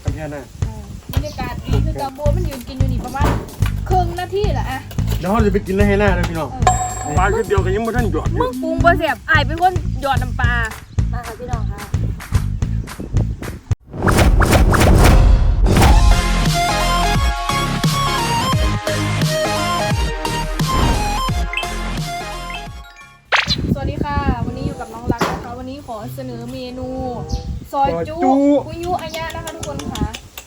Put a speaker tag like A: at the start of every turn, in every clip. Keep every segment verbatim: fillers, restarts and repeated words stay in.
A: กันแค่นั้น
B: บรรยากาศดีคือกระโบมันยืนกินอยู่นี่ประมาณครึ่งนาทีแหละอะ
A: เดี๋ยวเราจะไปกินให้หน้าเลยพี่น้องปลาคือเดียวกันยังไม่ทันหยอด
B: มึงปรุงบ่เสียบไอ้เป็นคนหยอดน้ำปลามาค่ะพี่น้องค่ะสวัสดีค่ะวันนี้อยู่กับน้องรักนะคะวันนี้ขอเสนอเมนูซอยจุกุยุอายะนะคะทุกคนค่ะ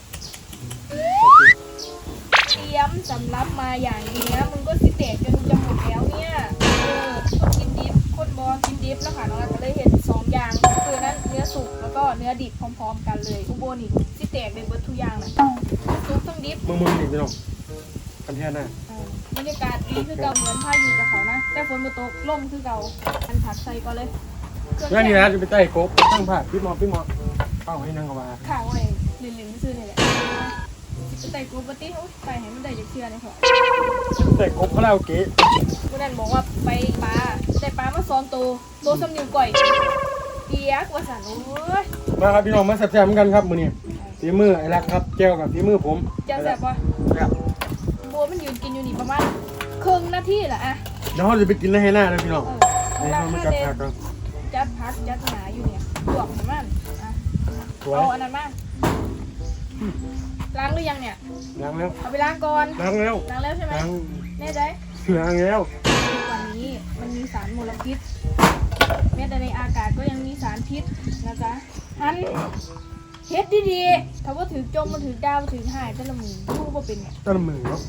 B: เตรียมสำรับมาอย่างนี้นะมึงก็สิเตะจนจะหมดแล้วเนี่ยเออคนกินดิบคนบอกินดิบนะคะน้องรักก็เลยเห็นสองอย่างคือนั่นเนื้อสุกแล้วก็เนื้อดิบพร้อมๆกันเลยอุโบนี่สิเตะเป็นเบิร์ทุกอย่างนะสุกต้องดิบ
A: มึงมึงนี่พี่น้องกันแค่นั้น
B: บรรยากาศดีคือเก่าเหมือนพายุกับเขานะแต่ฝนมาตกล่มคือเก่าอันผักใส่ก็เลย
A: งั้นนี่นะจะไปใต้กบตั้งผักพี่มอพี่มอเข้าให้นั่งกับว่า
B: ข่าวไอ้ลินลินซื้อนี่แหละจะใส่กูปฏิโอ้ยไปให้มันได้จะเชื่อในหัว
A: ใต้กบเขาเล่าเก๋
B: วันนั้นบอกว่าไปปลาแต่ปลามาซ้อนตัวโตสำนิวก่อยเปียกว่าสันโอ้ย
A: มาครับพี่น้องมาแซ่บๆเหมือนกันครับมื้อนี้ฝีมือไอ้รักครับแก้วกับฝีมือผม
B: แก้วแซ่บปะโบมันยืนกินอยู่นี่ประมาณครึ่งนาทีแหละอะ
A: เดี๋ยวเราจะไปกินให้หน้าเลยพี่น้องนี่เรามาจัดผักกัน
B: จัดผักจัดหนาอยู่เนี่ยลวกมันอ่ะเอาอันนั้นมาล้างหรือยังเนี่ย
A: ล้างแล้ว
B: เอาไปล้างก่อน
A: ล้างแล้ว
B: ล้างแล้วใช่ไหมแน่ใจ
A: ล้างแล้ว
B: วันนี้มันมีสารมลพิษแม้แต่ในอากาศก็ยังมีสารพิษนะจ๊ะฮันเฮ็ดดีๆถ้าว่าถือจมมันถือดาวถือหายแต่ละมือรู้ว่าเป็นเนี่ย
A: แต่ละมือเนาะ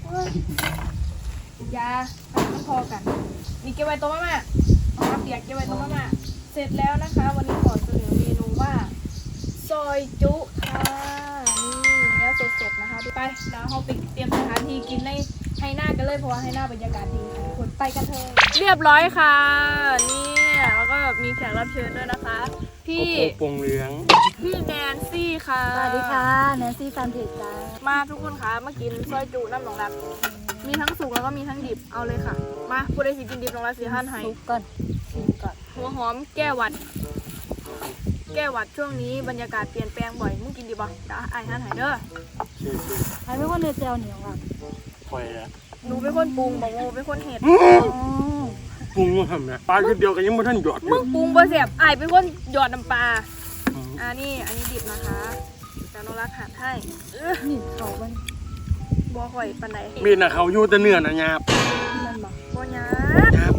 B: ยามันพอกันนี่เก็บไว้ตรงมาเอามาเปียกเก็บไว้ตรงมาเสร็จแล้วนะคะวันนี้ขอเสนอเมนูว่าซอยจุค่ะนี่เนื้อสดๆนะคะไปแล้วเราไปเตรียมสถานที่กินในให้หน้ากันเลยเพราะว่าให้หน้าบรรยากาศดีค่ะทุกคนไปกันเถอะเรียบร้อยค่ะนี่แล้วก็มีแขกรับเชิญด้วยนะคะพี่
A: ปงเหลือง
B: พี่แนนซี่ค่ะ
C: สวัสดีค่ะแนนซี่แฟนเพจจ้า
B: มาทุกคนคะมากินซอยจุน้ำหนองรักมีทั้งสุกแล้วก็มีทั้งดิบเอาเลยค่ะมาผู้ใดสิกินดิบหนองรักสีหั่นให้
C: สุกก่อน
B: ก่อนหัวหอมแก้หวัดแก้หวัดช่วงนี้บรรยากาศเปลี่ยนแปลงบ่อยมึงกินดีป่ะจ้าไอ้หั่นให้เด้อ
C: ไอ้เป็นคนเนื้อเจลเหนียวอ่ะ
A: ปล่อยอ่ะ
B: หนูเป็นคนปรุงบอกโมเป็นคนเห็ด
A: ปรุงมาทำไงปลาคือเดียวกันยังไม่ทันหยอด
B: มึงปรุงบ่เสียบไอ้เป็นคนหยอดน้ำปลาอ่านี่อันนี้ดิบนะคะจานนรักหั่นให้
C: นี่เขาบ้าน
B: บ่ข่อยปานใด
A: มีน่ะเขาอยู่แต่เนื้อน่ะหยาบ
B: นั่นบ่บ่หยาบ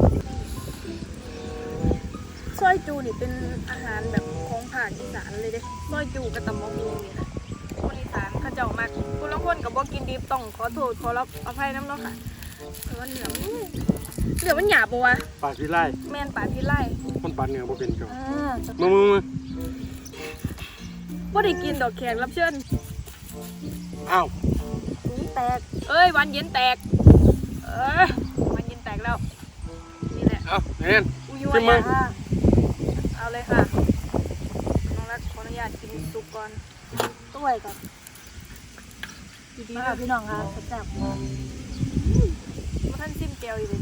B: ซอยจูนี่เป็นอาหารแบบของภาคอีสานเลยเด้ซอยจูกับตำบักหุ่งนี่นะคนอีสานเขาเจ้ามากคนละคนกับบ่กินดิบต้องขอโทษขอรับอภัยน้ำเนาะค่ะเพราะว่าเหนือเหนือมันหยาบปะวะ
A: ปลาที่ไร่
B: แม่นปลาที่ไร่
A: คนปลาเหนือบ่เป็นจ้ะ
B: มึ
A: งมึงมึง
B: บ่ได้กินดอกแขกรับเชิญ
A: อ้าว
B: ถุงแตกเอ้ยวันเย็นแตกเอ้ยวันเย็นแตกแล้วนี่แหละ
A: เอาเน่น
B: จิ้มมือเอาเลยค่ะน้องรักขออนุญาตกินซุปก่อน
C: ต้วยก่อนดีๆค่ะพี่น้องค่ะแซ่บๆ
B: ว่าท่านซิมเกลียวอยู่เลย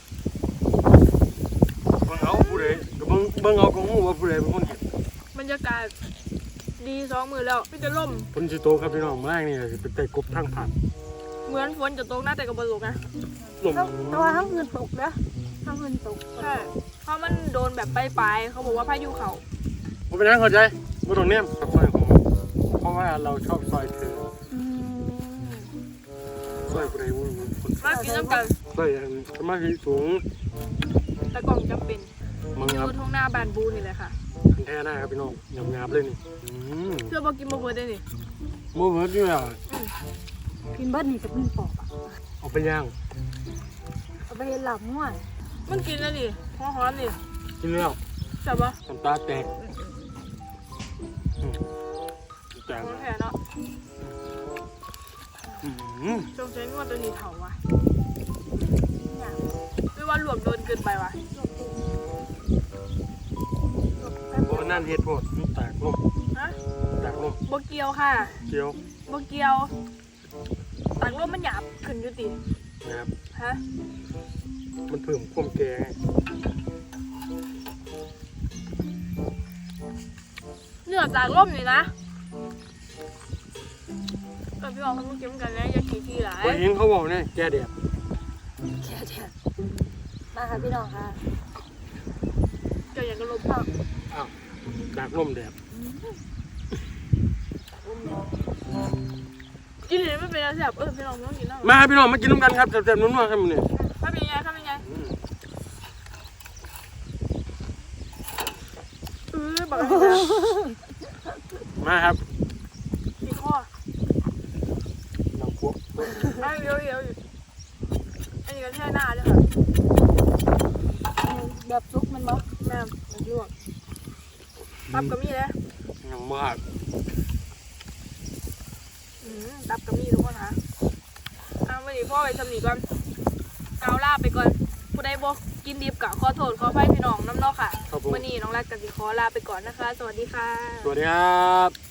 A: เบิ่งเอาผู้ใดก็เบิ่งเบิ่งเอาของหูว่าผู้ใดเป็นคนเห็น
B: บรรยากาศดีสองมือแล้วพี่จะล่ม
A: ฝนสิตกครับพี่น้องแรงนี่สิไปแต่กบทางผ่าน
B: เหมือนฝนจะตกนะแต่ก็บ่ตกนะ
C: ลมแต่ว่าทั้งเงินตกนะทั้งเงินตก
B: ใช่เพราะมันโดนแบบปลายๆเขาบอกว่าพายุเขา
A: ผมเป็นนักเข้าใจบ่ต้องเนี่ยซอยของเพราะว่าเราชอบซอยเธอซอยผู้ใดผู้คน
B: มากินน้ำกัน
A: ซอยสมาธิสูง
B: แต่กล่องจำเป็นอยู่ท้องหน้าบานบูนี่แหละค่ะ
A: แท้หน้าครับพี่น้องหยาบๆเลยนี่
B: เพื่อบอกกินโมเบิร์ดได้นี่
A: โมเบิร์ดนี่อ่ะ
C: กินเบิร์ดนี่จะเป็นปอบอ่ะ
A: เอาไปย่าง
C: เอาไปหลับง่วน
B: มันกินแล้วนี่หอมหอมนี่
A: กินแล้ว
B: ใช่ปะ
A: น้ำตาแตก
B: แตกแค่เนาะจงใจงวดตัวนี้เถาวะไม่ว่าหลวมโดนเกินไปวะ
A: โบนั่นเฮ็ดโพดแตกลม
B: ฮะ
A: แตกลม
B: โบเกียวค่ะ
A: เกียว
B: โบเกียวแตกลมมันหยาบขึ้นอยู่ติ
A: หยาบ
B: ฮะ
A: มันเพิ่มความแก่
B: เนื้อจากลมนี่นะพี่บอกเขาต้องกินกันนะอย่าขี้ขี้หลาย
A: ไปเห็นเขาบอกเนี่ยแกเดียบ
C: แค่เดียวมาค่ะพี่น้องค่ะ
B: เจ้าอย่างกระลบเปล่า
A: อ้าวจากลมแดด
B: กินเลยไม่เป็นอะไรแซ่บเออพี่น้องไม่ต้องกินแล้ว
A: มาพี่น้องมากินน้ำกันครับแซ่บๆนุ่มๆครับมื้อนี้
B: ถ้าเป็นไงถ้าเป็นไงเออบอกเลยนะ
A: มาครับ
B: อีกข้อ
A: น้ำพวก
B: อันเดียวเดียวอันนี้ก็แช่หน้าด้วยค่ะ
C: แบบซุกมันบ่
B: แม่ลวกตับกระมี่เลย
A: ยังมาก
B: อืมตับกระมี่ทุกคนนะเอาวันนี้พ่อไปสำนีก่อนเอาลาไปก่อนผู้ใดบอกกินดิบกะขอโทษขออภัยพี่น้องน้ำเนอกค่ะ
A: ครับผม
B: วันนี้น้องรักกับสิขอลาไปก่อนนะคะ สวัสดีค่ะ
A: สวัสดีครับ